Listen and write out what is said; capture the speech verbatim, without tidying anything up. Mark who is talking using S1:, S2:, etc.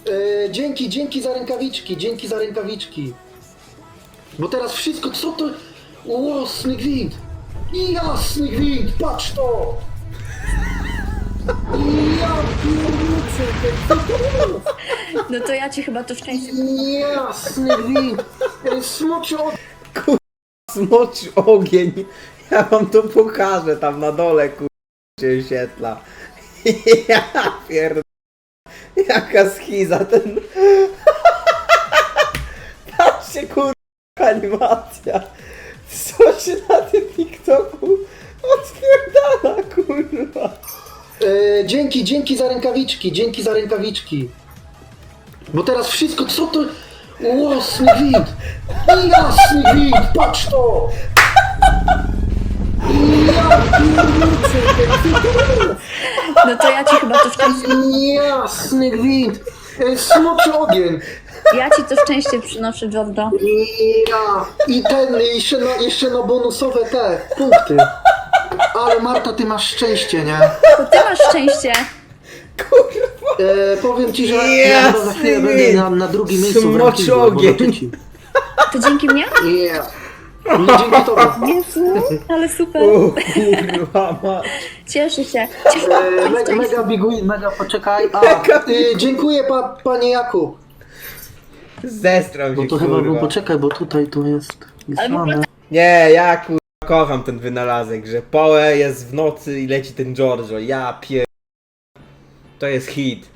S1: E, dzięki, dzięki za rękawiczki, dzięki za rękawiczki. Bo teraz wszystko, co to... Łosny gwint! Jasny gwint, patrz to! Ja pierniczę, co to jest?
S2: No to ja ci chyba to szczęście...
S1: Jasny gwint! E, Smoczy od...
S3: Smoczy ogień. Ja wam to pokażę tam na dole, kur... się świetla. Ja pierd... Jaka schiza ten... Patrzcie, kur... animacja. Co się na tym TikToku odpierdala, kurwa.
S1: E, dzięki, dzięki za rękawiczki, dzięki za rękawiczki. Bo teraz wszystko, co to... Łosny gwint! Jasny gwint, patrz to! Ja pierniczę, co to jest?
S2: No to ja ci chyba to szczęście...
S1: Jasny gwint! E, Smoczy ogień!
S2: Ja ci to szczęście przynoszę, Giorgio.
S1: Ja. I ten, jeszcze na, jeszcze na bonusowe te punkty. Ale Marta, ty masz szczęście, nie?
S2: To ty masz szczęście.
S3: Kurwa.
S1: E, powiem ci, że ja chyba za chwilę będę na, na drugim miejscu w
S3: Smoczy
S1: rankingu, albo
S3: ogień.
S1: na trzecim.
S2: To dzięki mnie?
S1: Yeah. No, dzięki tobie.
S2: Jezu, ale super.
S3: O kurwa ma.
S2: Cieszę się.
S1: E, me, mega big win, mega poczekaj. A, e, dziękuję pa, panie Jakub.
S3: Zestram
S1: Bo
S3: się,
S1: to chyba, bo
S3: kurwa.
S1: poczekaj, bo tutaj to jest
S2: Ale w ogóle
S1: wysłane.
S3: Nie, ja kurwa kocham ten wynalazek, że Poe jest w nocy i leci ten Giorgio. Ja pier... To jest hit.